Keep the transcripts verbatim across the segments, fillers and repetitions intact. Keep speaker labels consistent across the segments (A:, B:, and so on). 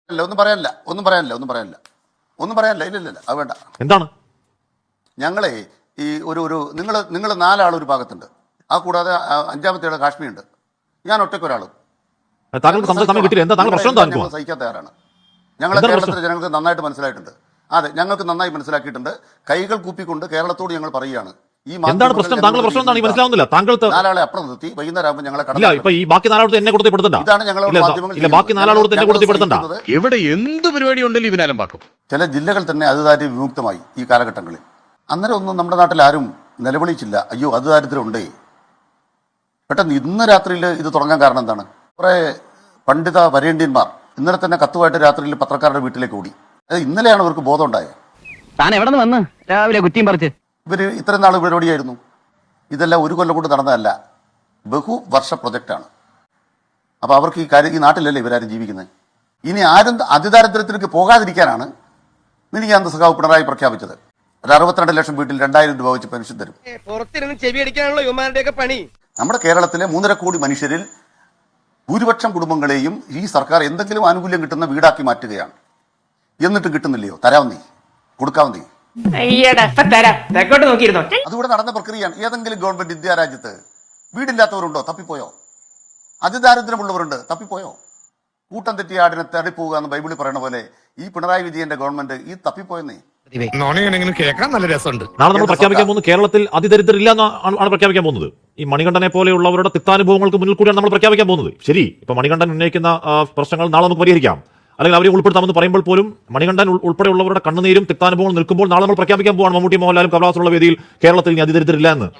A: അല്ല ഒന്നും പറയാനില്ല ഒന്നും പറയാനില്ല ഒന്നും പറയാനില്ല ഒന്നും പറയാനില്ല ഇല്ല ഇല്ല അത് വേണ്ട.
B: എന്താണ്
A: ഞങ്ങളെ ഈ ഒരു ഒരു നിങ്ങൾ നിങ്ങൾ നാലാൾ ഒരു ഭാഗത്തുണ്ട്, ആ കൂടാതെ അഞ്ചാമത്തെ കാശ്മീർ ഉണ്ട്, ഞാൻ ഒറ്റക്കൊരാളും.
B: താങ്കൾക്ക് സമയം കിട്ടില്ല. എന്താ താങ്കൾ പ്രശ്നം?
A: ഞങ്ങൾ സഹിക്കാൻ തയ്യാറാണ്. ഞങ്ങളെ കേരളത്തിലെ ജനങ്ങൾക്ക് നന്നായിട്ട് മനസ്സിലായിട്ടുണ്ട്. അതെ, ഞങ്ങൾക്ക് നന്നായി മനസ്സിലാക്കിയിട്ടുണ്ട്. കൈകൾ കൂപ്പിക്കൊണ്ട് കേരളത്തോട് ഞങ്ങൾ പറയുകയാണ്, ഈ
B: എന്താണ് പ്രശ്നം? താങ്കളുടെ പ്രശ്നം എന്താണ്? മനസ്സിലാവുന്നില്ല. താങ്കൾ
A: നാലാളെ അപ്പുറം നിർത്തി വൈകുന്നേരം ആകുമ്പോൾ ഞങ്ങളെ
B: ഇല്ല ഇപ്പൊ ഈ ബാക്കി നാലാളോട് എന്നെ കൊടുത്തിപ്പെടുത്തണ്ട.
A: ഇതാണ് ഞങ്ങളോട്
B: ഇല്ല ബാക്കി നാലാളോട് തന്നെ കൊടുത്തിപ്പെടുത്തണ്ട.
C: എവിടെ എന്ത് പരിപാടി ഉണ്ടല്ലോ ഇവനാലും പാക്കും.
A: ചില ജില്ലകൾ തന്നെ അതുദാരിദ്ര്യം വിമുക്തമായി ഈ കാലഘട്ടങ്ങളിൽ. അന്നേരം ഒന്നും നമ്മുടെ നാട്ടിൽ ആരും നിലവിളിച്ചില്ല, അയ്യോ അത് ദാരിദ്ര്യം ഉണ്ടേ. പെട്ടെന്ന് ഇന്ന് രാത്രിയിൽ ഇത് തുടങ്ങാൻ കാരണം എന്താണ്? കുറെ പണ്ഡിത വരേണ്യന്മാർ ഇന്നലെ തന്നെ കത്തുമായിട്ട് രാത്രിയിൽ പത്രക്കാരുടെ വീട്ടിലേക്ക് ഓടി. അത് ഇന്നലെയാണ് അവർക്ക് ബോധം ഉണ്ടായത്.
D: താൻ എവിടെ നിന്ന് വന്ന് രാവിലെ കുറ്റിയും പറിച്ച്?
A: ഇവർ ഇത്രയും നാൾ പരിപാടിയായിരുന്നു. ഇതെല്ലാം ഒരു കൊല്ലം കൊണ്ട് നടന്നതല്ല, ബഹുവർഷ പ്രൊജക്റ്റാണ്. അപ്പോൾ അവർക്ക് ഈ കാര്യം ഈ നാട്ടിലല്ലേ ഇവരാരും ജീവിക്കുന്നത്. ഇനി ആരും അതിദാരിദ്ര്യത്തിലേക്ക് പോകാതിരിക്കാനാണ് മിനിഞ്ഞാന്ന് സഖാവ് പിണറായി പ്രഖ്യാപിച്ചത്. ഒരു അറുപത്തിരണ്ട് ലക്ഷം വീട്ടിൽ രണ്ടായിരം രൂപ വെച്ച് പെൻഷൻ തരും.
E: പുറത്തിരുന്ന് ചെവി അടിക്കാനുള്ള യുവമാരുടെയൊക്കെ പണി.
A: നമ്മുടെ കേരളത്തിലെ മൂന്നര കോടി മനുഷ്യരിൽ ഭൂരിപക്ഷം കുടുംബങ്ങളെയും ഈ സർക്കാർ എന്തെങ്കിലും ആനുകൂല്യം കിട്ടുന്ന വീടാക്കി മാറ്റുകയാണ്. എന്നിട്ട് കിട്ടുന്നില്ലയോ? തരാവുന്നേ, കൊടുക്കാവുന്നേ. അതുകൂടെ നടന്ന പ്രക്രിയയാണ്. ഏതെങ്കിലും ഗവൺമെന്റ് ഇന്ത്യ രാജ്യത്ത് വീടില്ലാത്തവരുണ്ടോ? തപ്പിപ്പോയോ? അതിദാരിദ്ര്യമുള്ളവരുണ്ട്, തപ്പിപ്പോയോ? കൂട്ടം തെറ്റിയ ആടിനെ തടിപ്പോവുക എന്ന് ബൈബിളിൽ പറയുന്ന പോലെ ഈ പിണറായി വിജയന്റെ ഗവൺമെന്റ് ഈ തപ്പിപ്പോയെന്നേ.
C: കേൾക്കാൻ നല്ല രസമുണ്ട്.
B: നാളെ നമ്മൾ പ്രഖ്യാപിക്കാൻ പോകുന്നത് കേരളത്തിൽ അതിദരിദ്രം ഇല്ല എന്നാണ് പ്രഖ്യാപിക്കാൻ പോകുന്നത്. ഈ മണികണ്ഠനെ പോലെയുള്ളവരുടെ തിക്താനുഭവങ്ങൾക്ക് മുന്നിൽ കൂടിയാണ് നമ്മൾ പ്രഖ്യാപിക്കാൻ പോകുന്നത്. ശരി, ഇപ്പൊ മണികണ്ഠൻ ഉന്നയിക്കുന്ന പ്രശ്നങ്ങൾ നാളെ നമുക്ക് പരിഹരിക്കാം, അല്ലെങ്കിൽ അവരെ ഉൾപ്പെടുത്താമെന്ന് പറയുമ്പോൾ പോലും മണികണ്ഠൻ ഉൾപ്പെടെയുള്ളവരുടെ കണ്ണുനീരും തിക്താനുഭവങ്ങൾ നിൽക്കുമ്പോൾ നാളെ നമ്മൾ പ്രഖ്യാപിക്കാൻ പോവാണ് മമ്മൂട്ടി മോഹൻലാലും കമലഹാസനുള്ള വേദിയിൽ കേരളത്തിൽ ഇനി അതിദരിദ്രം ഇല്ല എന്ന്.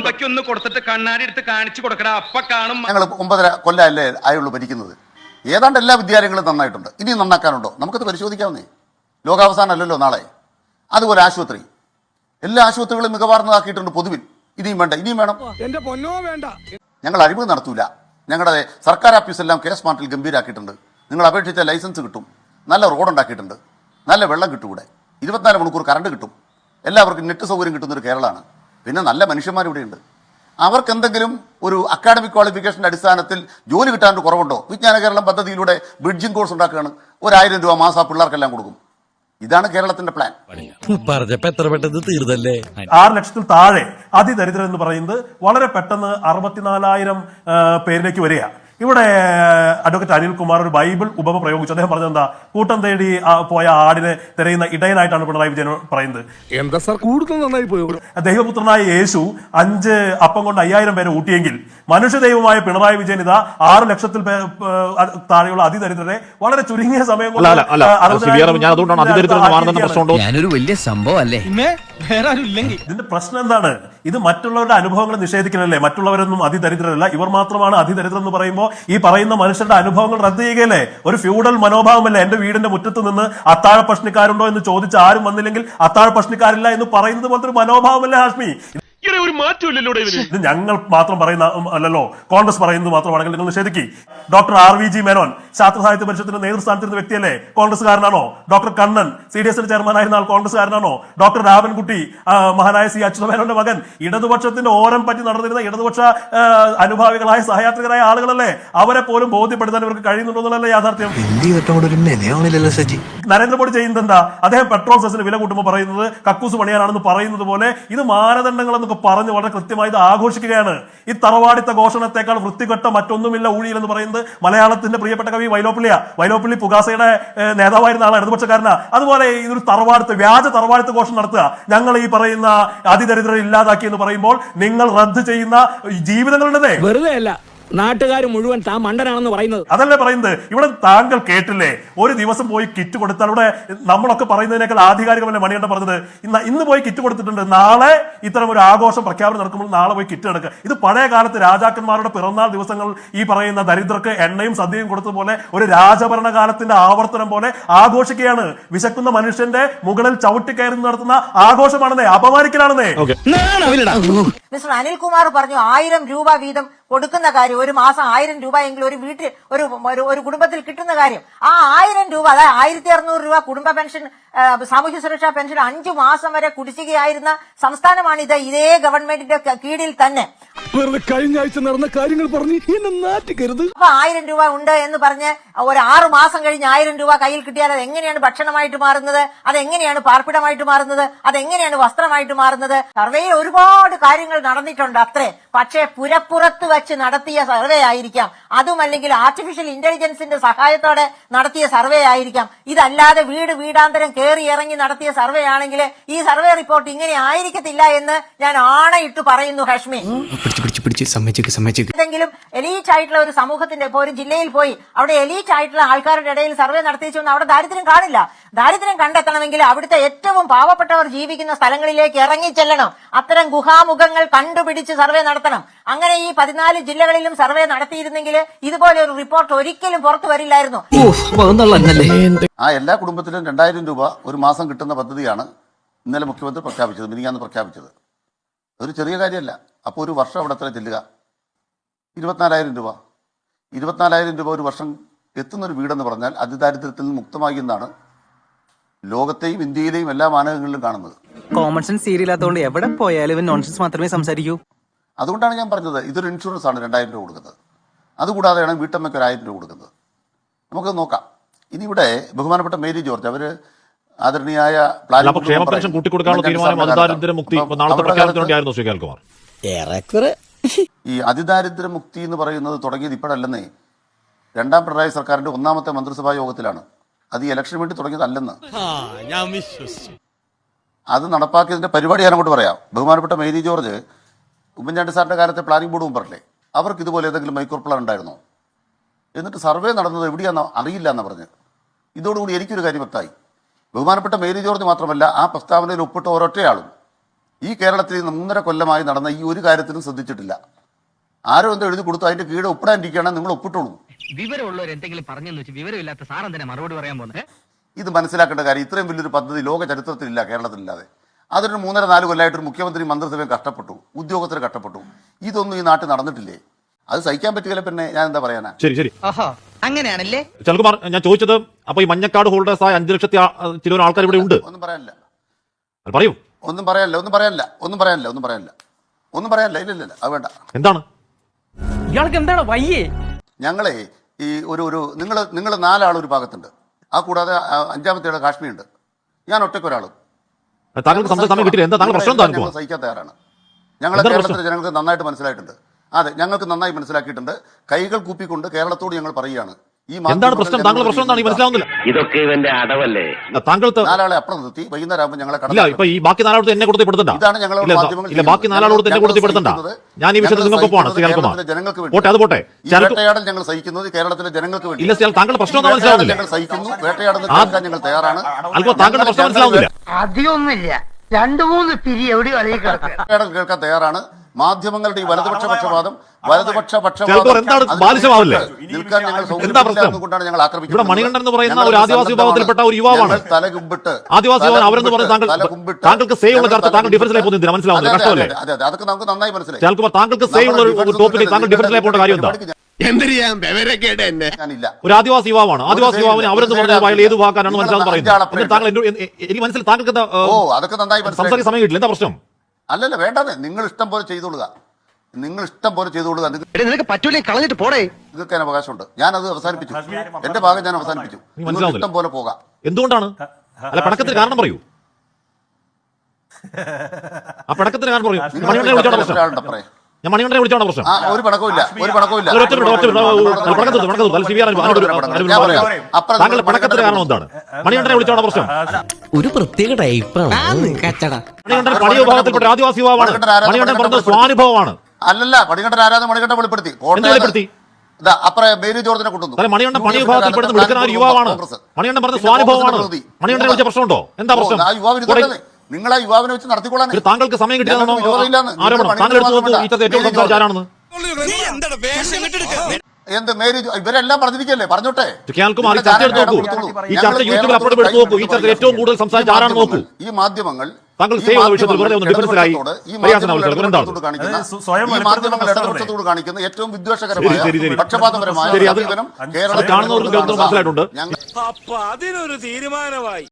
A: ഞങ്ങൾ ഒമ്പതര കൊല്ലമല്ലേ ആയുള്ളൂ ഭരിക്കുന്നത്. ഏതാണ്ട് എല്ലാ വിദ്യാലയങ്ങളും നന്നായിട്ടുണ്ട്. ഇനി നന്നാക്കാനുണ്ടോ? നമുക്കത് പരിശോധിക്കാവുന്നേ. ലോകാവസാനം അല്ലല്ലോ നാളെ. അതുപോലെ ആശുപത്രി, എല്ലാ ആശുപത്രികളും മികവാർന്നതാക്കിയിട്ടുണ്ട് പൊതുവിൽ. ഇനിയും വേണ്ട, ഇനിയും വേണം.
E: എന്റെ പൊന്നോ വേണ്ട.
A: ഞങ്ങൾ അഴിമതി നടത്തൂല. ഞങ്ങളുടെ സർക്കാർ ഓഫീസെല്ലാം കെ സ്മാർട്ടിൽ ഗംഭീരാക്കിയിട്ടുണ്ട്. നിങ്ങൾ അപേക്ഷിച്ച ലൈസൻസ് കിട്ടും, നല്ല റോഡ് ഉണ്ടാക്കിയിട്ടുണ്ട്, നല്ല വെള്ളം കിട്ടും, ഇവിടെ ഇരുപത്തിനാല് മണിക്കൂർ കറണ്ട് കിട്ടും, എല്ലാവർക്കും നെറ്റ് സൗകര്യം കിട്ടുന്നൊരു കേരളമാണ്. പിന്നെ നല്ല മനുഷ്യന്മാർ ഇവിടെയുണ്ട്. അവർക്ക് എന്തെങ്കിലും ഒരു അക്കാഡമിക് ക്വാളിഫിക്കേഷൻ്റെ അടിസ്ഥാനത്തിൽ ജോലി കിട്ടാൻ കുറവുണ്ടോ? വിജ്ഞാന കേരളം പദ്ധതിയിലൂടെ ബ്രിഡ്ജിംഗ് കോഴ്സ് ഉണ്ടാക്കുകയാണ്. ഒരായിരം രൂപ മാസം ആ പിള്ളേർക്കെല്ലാം കൊടുക്കും. ഇതാണ് കേരളത്തിന്റെ പ്ലാൻ.
F: പറഞ്ഞപ്പോ എത്ര പെട്ടെന്ന് തീർന്നല്ലേ.
G: ആറ് ലക്ഷത്തിൽ താഴെ അതിദരിദ്രം എന്ന് പറയുന്നത് വളരെ പെട്ടെന്ന് അറുപത്തിനാലായിരം പേരിലേക്ക് വരിക. ഇവിടെ അഡ്വക്കേറ്റ് അനിൽകുമാർ ഒരു ബൈബിൾ ഉപമ പ്രയോഗിച്ചു. അദ്ദേഹം പറഞ്ഞത് എന്താ? കൂട്ടം തേടി പോയ ആടിനെ തിരയുന്ന ഇടയനായിട്ടാണ് പിണറായി വിജയൻ പറയുന്നത്.
E: എന്താ സാർ കൂടുതൽ നന്നായി പോയോ?
G: ദൈവപുത്രനായ യേശു അഞ്ച് അപ്പം കൊണ്ട് അയ്യായിരം പേരെ ഊട്ടിയെങ്കിൽ മനുഷ്യ ദൈവമായ പിണറായി വിജയൻ ഇതാ ആറ് ലക്ഷത്തിൽ താഴെയുള്ള അതിദരിദ്രരെ വളരെ ചുരുങ്ങിയ സമയം കൊണ്ട്.
F: ഞാനൊരു വലിയ സംഭവം അല്ലേ.
G: ഇതിന്റെ പ്രശ്നം എന്താണ്? ഇത് മറ്റുള്ളവരുടെ അനുഭവങ്ങൾ നിഷേധിക്കലല്ലേ. മറ്റുള്ളവരൊന്നും അതിദരിദ്രരല്ല, ഇവർ മാത്രമാണ് അതിദരിദ്രം എന്ന് പറയുമ്പോൾ ഈ പറയുന്ന മനുഷ്യരുടെ അനുഭവങ്ങൾ റദ്ദ് ചെയ്യുകയല്ലേ? ഒരു ഫ്യൂഡൽ മനോഭാവമല്ലേ? എന്റെ വീടിന്റെ മുറ്റത്ത് നിന്ന് അത്താഴ പ്രശ്നക്കാരുണ്ടോ എന്ന് ചോദിച്ച് ആരും വന്നില്ലെങ്കിൽ അത്താഴ പ്രശ്നക്കാരില്ല എന്ന് പറയുന്നത് പോലത്തെ ഒരു മനോഭാവമല്ലേ ഹാഷ്മി?
C: ഒരു മാറ്റമില്ലല്ലോ.
G: ഇത് ഞങ്ങൾ മാത്രം പറയുന്ന അല്ലല്ലോ, കോൺഗ്രസ് പറയുന്നത് മാത്രമാണെങ്കിൽ നിങ്ങൾ നിഷേധിക്കി. Doctor R V G Menon ശാസ്ത്ര സാഹിത്യ പരിഷത്തിന്റെ നേതൃസ്ഥാനത്തിരുന്ന വ്യക്തിയല്ലേ? കോൺഗ്രസ്സുകാരനാണോ? ഡോക്ടർ കണ്ണൻ സി ഡി എസിന്റെ ചെയർമാനായിരുന്ന ആൾ കോൺഗ്രസ്സുകാരനാണോ? ഡോക്ടർ രാവൻകുട്ടി മഹാനായ സി അച്യുത മേനോന്റെ മകൻ ഇടതുപക്ഷത്തിന്റെ ഓരം പറ്റി നടന്നിരുന്ന ഇടതുപക്ഷ അനുഭാവികളായ സഹയാത്രികരായ ആളുകളല്ലേ? അവരെ പോലും ബോധ്യപ്പെടുത്താൻ ഇവർക്ക് കഴിയുന്നുണ്ടോ എന്നുള്ളതല്ലേ യാഥാർത്ഥ്യം. നരേന്ദ്രമോദി ചെയ്യുന്നത് എന്താ? അദ്ദേഹം പെട്രോൾ സെസിന് വില കൂട്ടുമ്പോൾ പറയുന്നത് കക്കൂസ് പണിയാനാണെന്ന് പറയുന്നത് പോലെ ഇത് മാനദണ്ഡങ്ങൾ എന്നൊക്കെ പറഞ്ഞ് വളരെ കൃത്യമായി ഇത് ആഘോഷിക്കുകയാണ്. ഈ തറവാടിത്ത ഘോഷണത്തെക്കാൾ വൃത്തികെട്ട മറ്റൊന്നുമില്ല ഊഴിയിൽ എന്ന് പറയുന്നത് മലയാളത്തിന്റെ പ്രിയപ്പെട്ട കവി വൈലോപ്പിള്ളിയ. വൈലോപ്പിള്ളി പുകാസയുടെ നേതാവായിരുന്ന ആളാണ്, ഇടതുപക്ഷക്കാരനാ. അതുപോലെ ഇതൊരു തറവാടുത്ത് വ്യാജ തറവാടുത്ത് ഘോഷണം നടത്തുക, ഞങ്ങൾ ഈ പറയുന്ന അതിദരിദ്രരെ ഇല്ലാതാക്കി എന്ന് പറയുമ്പോൾ നിങ്ങൾ റദ്ദ് ചെയ്യുന്ന ജീവിതങ്ങളുണ്ടതേ
E: വെറുതെ അല്ല, നാട്ടുകാർ മുഴുവൻ താൻ മണ്ടനാണെന്ന് പറയുന്നത്.
G: അതല്ലേ പറയുന്നത്. ഇവിടെ താങ്കൾ കേട്ടില്ലേ, ഒരു ദിവസം പോയി കിറ്റ് കൊടുത്താൽ ഇവിടെ നമ്മളൊക്കെ പറയുന്നതിനേക്കാൾ ആധികാരികമല്ലേ മണികണ്ഠൻ പറഞ്ഞത്? ഇന്ന് ഇന്ന് പോയി കിറ്റ് കൊടുത്തിട്ടുണ്ട്, നാളെ ഇത്തരം ഒരു ആഘോഷം പ്രഖ്യാപനം നടക്കുമ്പോൾ നാളെ പോയി കിറ്റ് എടുക്കുക. ഇത് പഴയ കാലത്ത് രാജാക്കന്മാരുടെ പിറന്നാൾ ദിവസങ്ങൾ ഈ പറയുന്ന ദരിദ്രർക്ക് എണ്ണയും സദ്യയും കൊടുത്തതുപോലെ ഒരു രാജഭരണകാലത്തിന്റെ ആവർത്തനം പോലെ ആഘോഷിക്കുകയാണ്. വിശക്കുന്ന മനുഷ്യന്റെ മുകളിൽ ചവിട്ടിക്കയറി നടത്തുന്ന ആഘോഷമാണെന്നേ, അപമാനിക്കലാണെന്നേ.
H: മിസ്റ്റർ അനിൽകുമാർ പറഞ്ഞു ആയിരം രൂപ വീതം കൊടുക്കുന്ന കാര്യം, ഒരു മാസം ആയിരം രൂപ എങ്കിലും ഒരു വീട്ടിൽ ഒരു ഒരു കുടുംബത്തിൽ കിട്ടുന്ന കാര്യം. ആ ആയിരം രൂപ, അതായത് ആയിരത്തി അറുന്നൂറ് രൂപ കുടുംബ പെൻഷൻ സാമൂഹ്യ സുരക്ഷാ പെൻഷൻ അഞ്ചു മാസം വരെ കുടിശ്ശികയായിരുന്ന സംസ്ഥാനമാണിത്, ഇതേ ഗവൺമെന്റിന്റെ ക- കീഴിൽ തന്നെ.
E: വെറുതെ കഴിഞ്ഞ ആഴ്ച നടന്ന കാര്യങ്ങൾ പറഞ്ഞ് എന്നെ നാറ്റിക്കരുത്.
H: അപ്പൊ ആയിരം രൂപ ഉണ്ട് എന്ന് പറഞ്ഞ് ഒരു ആറു മാസം കഴിഞ്ഞ് ആയിരം രൂപ കയ്യിൽ കിട്ടിയാൽ അത് എങ്ങനെയാണ് ഭക്ഷണമായിട്ട് മാറുന്നത്, അതെങ്ങനെയാണ് പാർപ്പിടമായിട്ട് മാറുന്നത്, അതെങ്ങനെയാണ് വസ്ത്രമായിട്ട് മാറുന്നത്? സർവേയിൽ ഒരുപാട് കാര്യങ്ങൾ നടന്നിട്ടുണ്ട് അത്രേ. പക്ഷേ പുരപ്പുറത്ത് വെച്ച് നടത്തിയ സർവേ ആയിരിക്കാം, അതുമല്ലെങ്കിൽ ആർട്ടിഫിഷ്യൽ ഇന്റലിജൻസിന്റെ സഹായത്തോടെ നടത്തിയ സർവേ ആയിരിക്കാം. ഇതല്ലാതെ വീട് വീടാന്തരം കയറി ഇറങ്ങി നടത്തിയ സർവേ ആണെങ്കിൽ ഈ സർവേ റിപ്പോർട്ട് ഇങ്ങനെ ആയിരിക്കത്തില്ല എന്ന് ഞാൻ ആണയിട്ട് പറയുന്നു. ഹാഷ്മി, എന്തെങ്കിലും എലീറ്റ് ആയിട്ടുള്ള ഒരു സമൂഹത്തിന്റെ ഇപ്പൊ ഒരു ജില്ലയിൽ പോയി അവിടെ എലീറ്റ് ആയിട്ടുള്ള ആൾക്കാരുടെ ഇടയിൽ സർവേ നടത്തിച്ചൊന്നും അവിടെ ദാരിദ്ര്യം കാണില്ല. ദാരിദ്ര്യം കണ്ടെത്തണമെങ്കിൽ അവിടുത്തെ ഏറ്റവും പാവപ്പെട്ടവർ ജീവിക്കുന്ന സ്ഥലങ്ങളിലേക്ക് ഇറങ്ങി ചെല്ലണം, അത്തരം ഗുഹാമുഖങ്ങൾ കണ്ടുപിടിച്ച് സർവേ നടത്തണം. അങ്ങനെ ഈ പതിനാല് ജില്ലകളിലും സർവേ നടത്തിയിരുന്നെങ്കിൽ ഇതുപോലെ ഒരു റിപ്പോർട്ട് ഒരിക്കലും പുറത്തു വരില്ലായിരുന്നു.
A: ആ എല്ലാ കുടുംബത്തിലും രണ്ടായിരം രൂപ ഒരു മാസം കിട്ടുന്ന പദ്ധതിയാണ് ഇന്നലെ മുഖ്യമന്ത്രി പ്രഖ്യാപിച്ചത്, മിനിഞ്ഞാന്ന് പ്രഖ്യാപിച്ചത്. ഒരു ചെറിയ കാര്യമല്ല. അപ്പോൾ ഒരു വർഷം അവിടെ എത്ര ചെല്ലുക? ഇരുപത്തിനാലായിരം രൂപ. ഇരുപത്തിനാലായിരം രൂപ ഒരു വർഷം എത്തുന്നൊരു വീടെന്ന് പറഞ്ഞാൽ അതിദാരിദ്ര്യത്തിൽ നിന്ന് മുക്തമായി എന്നാണ് ലോകത്തെയും ഇന്ത്യയിലെയും എല്ലാ മാനകങ്ങളിലും കാണുന്നത്.
D: കോമൺ സെൻസ് സീരിയലാത്തോണ്ട് എവിടെ പോയാലും ഇവൻ നോൺസെൻസ് മാത്രമേ സംസാരിക്കൂ.
A: അതുകൊണ്ടാണ് ഞാൻ പറഞ്ഞത് ഇതൊരു ഇൻഷുറൻസ് ആണ് രണ്ടായിരം രൂപ കൊടുക്കുന്നത്. അതുകൂടാതെയാണ് വീട്ടമ്മയ്ക്ക് ഒരു ആയിരം രൂപ കൊടുക്കുന്നത്. നമുക്ക് നോക്കാം. ഇനി ഇവിടെ ബഹുമാനപ്പെട്ട മേരി ജോർജ് അവര് ആദരണീയായ
B: അല്ല, അപ്പൊ ക്ഷേമ പെൻഷൻ കൂട്ടിക്കൊടുക്കാനുള്ള തീരുമാനം അതിദാരിദ്ര്യ മുക്തി നാളത്തെ പ്രഖ്യാപനത്തിനുണ്ടായിരുന്നു ശ്രീ കേൾക്കുമാർ.
A: ഈ അതിദാരിദ്ര്യ മുക്തി എന്ന് പറയുന്നത് തുടങ്ങിയത് ഇപ്പോഴല്ലെന്നേ, രണ്ടാം പിണറായി സർക്കാരിന്റെ ഒന്നാമത്തെ മന്ത്രിസഭാ യോഗത്തിലാണ്. അത് ഈ ഇലക്ഷന് വേണ്ടി തുടങ്ങിയതല്ലെന്ന്. അത് നടപ്പാക്കിയതിന്റെ പരിപാടി ഞാൻ അങ്ങോട്ട് പറയാം. ബഹുമാനപ്പെട്ട മേരി ജോർജ് ഉമ്മൻചാണ്ടി സാറിന്റെ കാലത്തെ പ്ലാനിംഗ് ബോർഡ് മെമ്പറല്ലേ, അവർക്ക് ഇതുപോലെ ഏതെങ്കിലും മൈക്രോ പ്ലാൻ ഉണ്ടായിരുന്നോ? എന്നിട്ട് സർവേ നടന്നത് എവിടെയാണെന്നോ അറിയില്ല എന്ന് പറഞ്ഞ്. ഇതോടുകൂടി എനിക്കൊരു കാര്യം വ്യക്തമായി. ബഹുമാനപ്പെട്ട മേരി ജോർജ് മാത്രമല്ല, ആ പ്രസ്താവനയിൽ ഒപ്പിട്ട ഒരൊറ്റയാളും ഈ കേരളത്തിൽ മൂന്നര കൊല്ലമായി നടന്ന ഈ ഒരു കാര്യത്തിലും ശ്രദ്ധിച്ചിട്ടില്ല. ആരോ എന്തോ എഴുതി കൊടുത്തു, അതിന്റെ കീഴെ ഒപ്പിടാനിരിക്കുകയാണെങ്കിൽ നിങ്ങൾ ഒപ്പിട്ടോളൂ.
D: വിവരമുള്ളവർ എന്തെങ്കിലും പറഞ്ഞെന്ന് വെച്ച് വിവരമില്ലാത്ത സാറൻ തന്നെ മറുപടി പറയാൻ പോകുന്നത്.
A: ഇത് മനസ്സിലാക്കേണ്ട കാര്യം, ഇത്രയും വലിയൊരു പദ്ധതി ലോക ചരിത്രത്തിലില്ല, കേരളത്തിലില്ലാതെ. അതൊരു മൂന്നര നാല് കൊല്ലമായിട്ട് ഒരു മുഖ്യമന്ത്രി മന്ത്രിസഭയും കഷ്ടപ്പെട്ടു, ഉദ്യോഗസ്ഥർ കഷ്ടപ്പെട്ടു. ഇതൊന്നും ഈ നാട്ടിൽ നടന്നിട്ടില്ലേ? അത് സഹിക്കാൻ പറ്റുകയില്ല. പിന്നെ ഞാൻ എന്താ പറയാനാ?
B: ശരി ശരി
D: അങ്ങനെയാണല്ലേ
B: ചൽകുമാർ, ഞാൻ ചോദിച്ചത് അപ്പൊ ഈ മഞ്ഞക്കാട് ഹോൾഡേഴ്സ് ആയ അഞ്ചു ലക്ഷത്തി ചില ആൾക്കാർ ഇവിടെ ഉണ്ട്.
A: ഒന്നും പറയാനില്ല,
B: പറയൂ.
A: ഒന്നും പറയാനില്ല, ഒന്നും പറയാനില്ല, ഒന്നും പറയാനില്ല, ഒന്നും പറയാനില്ല, ഒന്നും പറയാനില്ല. ഇല്ല ഇല്ല, അത് വേണ്ട.
B: എന്താണ്
D: ഇയാൾക്ക് എന്താണ് വയ്യേ?
A: ഞങ്ങളെ ഈ ഒരു ഒരു നിങ്ങൾ നിങ്ങൾ നാലാൾ ഒരു ഭാഗത്തുണ്ട്, ആ കൂടാതെ അഞ്ചാമത്തെ കാശ്മീർ ഉണ്ട്, ഞാൻ ഒറ്റയ്ക്കൊരാളും.
B: താങ്കൾക്ക് സംസാരിക്കാൻ സമയം കിട്ടില്ല. എന്താ താങ്കൾ പ്രശ്നം?
A: ഞങ്ങൾ സഹിക്കാൻ തയ്യാറാണ്. ഞങ്ങളെ കേരളത്തിലെ ജനങ്ങൾക്ക് നന്നായിട്ട് മനസ്സിലായിട്ടുണ്ട്. അതെ, ഞങ്ങൾക്ക് നന്നായി മനസ്സിലാക്കിയിട്ടുണ്ട്. കൈകൾ കൂപ്പിക്കൊണ്ട് കേരളത്തോട് ഞങ്ങൾ പറയുകയാണ്, ഈ
B: എന്താണ് പ്രശ്നം? താങ്കളുടെ പ്രശ്നം എന്താണ്? ഈ മനസ്സിലാവുന്നില്ല.
I: ഇതൊക്കെ ഇവന്റെ അടവല്ലേ?
B: താങ്കൾ
A: നാലാളെ അപ്പുറം നിർത്തി വൈകുന്നേരം ആകുമ്പോൾ ഞങ്ങളെ
B: ഇല്ല, ഇപ്പൊ ഈ ബാക്കി നാലാളോട് എന്നെ കൊടുത്ത് പെടുത്തണ്ട.
A: ഇതാണ് ഞങ്ങൾ
B: ഇല്ല, ബാക്കി നാലാളോട് എന്നെ കൊടുത്ത് പെടുത്തണ്ട. ഞാൻ ഈ വിഷയത്തിൽ നിങ്ങൾക്കൊപ്പമാണ് ശ്രീ കേൾക്കുമാർ. പോട്ടെ, അത് പോട്ടെ.
A: വേട്ടയാടൽ ഞങ്ങൾ സഹിക്കുന്നത് കേരളത്തിലെ ജനങ്ങൾക്ക് വേണ്ടി.
B: ഇല്ല, താങ്കളുടെ പ്രശ്നം ഒന്നും മനസ്സിലാവുന്നില്ല.
A: ഞങ്ങൾ സഹിക്കുന്നു, വേട്ടയാടുന്ന ഞങ്ങൾ തയ്യാറാണ്.
B: അല്പം താങ്കളുടെ പ്രശ്നം മനസ്സിലാവുന്നില്ല.
J: അധികമൊന്നുമില്ല, രണ്ടു മൂന്ന് പിരി എവിടെ
A: വേട്ടയാടൽ കേൾക്കാൻ തയ്യാറാണ്. മാധ്യമങ്ങളുടെ ഈ വലതുപക്ഷ പക്ഷപാതം വലതുപക്ഷ
B: എന്താണ് ബാലിശമാവില്ലേ?
A: നിൽക്കാൻ ഞങ്ങൾ
B: എന്താ പ്രശ്നം?
A: കൊണ്ടാണ് ഞങ്ങൾ ആക്രമിക്കുന്നത്.
B: ഇവിടെ മണികണ്ഠൻ എന്ന് പറയുന്ന ഒരു ആദിവാസി വിഭാഗത്തിൽപ്പെട്ട ഒരു യുവാവാണ്.
A: തലകുമ്പിട്ട്
B: ആദിവാസി യുവാൻ അവരെന്ന് പറഞ്ഞ താങ്കൾ താങ്കൾക്ക് സേ ഉള്ള ചർച്ച താങ്കൾ ഡിഫറൻസിലായി പോകുന്നതിന് മനസ്സിലാവുന്നില്ല. കഷ്ടമല്ലേ?
A: അതെ അതെ, അതൊക്കെ നമുക്ക് നന്നായി മനസ്സിലായി.
B: കേൾക്കുമ്പോൾ താങ്കൾക്ക് സേ ഉള്ള ഒരു ടോപ്പിൽ താങ്കൾ ഡിഫറൻസിലായി പോകേണ്ട കാര്യം എന്താ? ഒരു ആദിവാസി യുവാവാണ്. ആദിവാസി യുവാവിന് അവരെന്ന് പറഞ്ഞാൽ അയാൾ ഏത് വാക്കാനാണ് മനസ്സിലാവുന്ന പറയുന്നത്. താങ്കൾ എനിക്ക് മനസ്സിലായി. താങ്കൾക്ക് എന്താ സംസാരിക്കാൻ സമയം കിട്ടില്ല? എന്താ പ്രശ്നം?
A: അല്ലല്ല, വേണ്ടത് നിങ്ങൾ ഇഷ്ടം പോലെ ചെയ്തോളുക, നിങ്ങൾ ഇഷ്ടം പോലെ ചെയ്തോളുക.
D: നിനക്ക് പറ്റൂലേ, കളഞ്ഞിട്ട് പോടേ.
A: നിങ്ങൾക്ക് അതിന് അവകാശമുണ്ട്. ഞാനത് അവസാനിപ്പിച്ചു, എന്റെ ഭാഗം ഞാൻ അവസാനിപ്പിച്ചു. നിങ്ങൾക്ക് ഇഷ്ടം പോലെ പോകാം.
B: എന്തുകൊണ്ടാണ്? അല്ല, പടക്കത്തിന് കാരണം പറയൂ. ആ പടക്കത്തിന് കാരണം പറയൂ. മണികണ്ഠനെ വിളിച്ചോണ്ട പ്രശ്നം. ഞാൻ മണികണ്ഠനെ വിളിച്ചോണ്ട പ്രശ്നം.
A: ഒരു പടക്കമില്ല, ഒരു പടക്കമില്ല.
B: താങ്കളുടെ പടക്കത്തിന് കാരണം എന്താണ്? മണികണ്ഠനെ വിളിച്ചോണ്ട പ്രശ്നം.
F: ഒരു പ്രത്യേക ടൈപ്പാണ് കച്ചട.
B: മണികണ്ഠൻ പണിയ വിഭാഗത്തിൽപ്പെട്ട ആദിവാസി യുവാവാണ്. മണികണ്ഠൻ പറഞ്ഞ സ്വാനുഭവമാണ്.
A: അല്ലല്ല, മണികണ്ഠൻ ആരാധന മണികണ്ഠൻ വെളിപ്പെടുത്തി.
B: വെളിപ്പെടുത്തി
A: അപ്പുറം മേരി ജോർജിനെ കൊണ്ടുവന്നു.
B: മണികണ്ഠൻ പണി വിഭാഗത്തിൽപ്പെടുന്ന വിളിക്കുന്ന ഒരു യുവാവാണ്. മണികണ്ഠൻ പറഞ്ഞ സ്വാനുഭവമാണ്. മണികണ്ഠനെ വിളിച്ച പ്രശ്നമുണ്ടോ? എന്താ പ്രശ്നം?
A: നിങ്ങൾ ആ യുവാവിനെ വെച്ച് നടത്തിക്കോളാൻ.
B: താങ്കൾക്ക് സമയം കിട്ടിയതാണോ ആരോപണം? താങ്കൾ എടുത്തു നോക്കൂ ഈ ചർച്ച ഏറ്റവും സംസാരിച്ച ആരാണെന്ന്.
A: എന്ത് മേരി ഇവരെല്ലാം പറഞ്ഞിരിക്കല്ലേ, പറഞ്ഞോട്ടെ.
B: കേൾക്കുമാർ ഈ ചർച്ച എടുത്ത് നോക്കൂ. ഈ ചർച്ച യൂട്യൂബിൽ അപ്ലോഡ് എടുത്ത് നോക്കൂ. ഈ ചർച്ച ഏറ്റവും കൂടുതൽ സംസാരിച്ച ആരാണെന്ന് നോക്കൂ.
A: ഈ മാധ്യമങ്ങൾ
B: താങ്കൾ സേവ് ഉള്ള വിഷയത്തിൽ വെറുതെ ഒന്ന് ഡിഫറൻസിലായി
A: ഇടതുപക്ഷത്തോട് കാണിക്കുന്ന ഏറ്റവും വിദ്വേഷകരമായ പക്ഷപാതപരമായ
B: കാണുന്നവർക്ക് മനസ്സിലായിട്ടുണ്ട്.
E: അപ്പൊ അതിനൊരു തീരുമാനമായി.